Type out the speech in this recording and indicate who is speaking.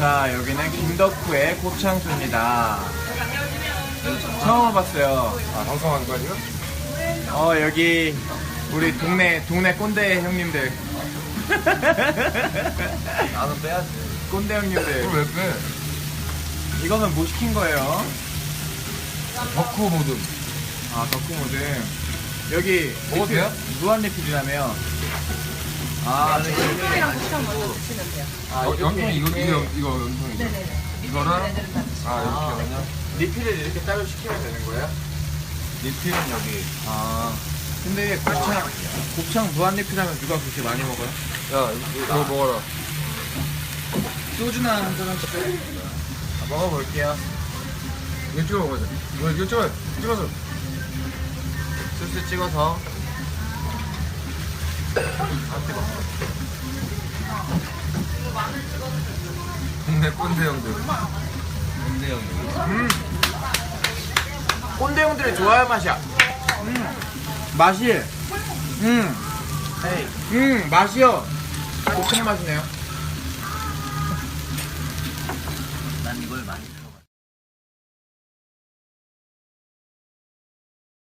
Speaker 1: 자, 여기는 김덕후의 곱창수입니다. 처음 와봤어요.
Speaker 2: 아, 방송한 거 아니야?
Speaker 1: 여기 우리 동네 꼰대 형님들.
Speaker 2: 나는 빼야지.
Speaker 1: 꼰대 형님들.
Speaker 2: 그걸 왜 빼?
Speaker 1: 이거는 뭐 시킨 거예요?
Speaker 2: 덕후 모듬.
Speaker 1: 아, 덕후 모드. 여기
Speaker 2: 먹어도 돼요?
Speaker 1: 무한 리필이라며. 아, 네.
Speaker 3: 연통이랑 고추장 먼저 드시면 돼요.
Speaker 2: 연통이 이거 연통이죠?
Speaker 3: 네네네.
Speaker 2: 이거를? 아, 이렇게
Speaker 1: 아.
Speaker 2: 그냥?
Speaker 1: 리필을 이렇게 따로 시키면 되는 거예요?
Speaker 2: 리필은 여기.
Speaker 1: 아. 근데 곱창 무한 리필하면 누가 그렇게 많이 먹어요?
Speaker 2: 야, 이거 먹어라.
Speaker 1: 소주나 한 잔씩 먹어볼게요.
Speaker 2: 이거 찍어 먹어야 돼. 이거 찍어서.
Speaker 1: 소스 찍어서.
Speaker 2: 동네 꼰대 형들. 꼰대 형들.
Speaker 1: 꼰대 형들이 좋아할 맛이야. 맛이. 맛이요. 곱창 맛이네요.
Speaker 4: 난 이걸 많이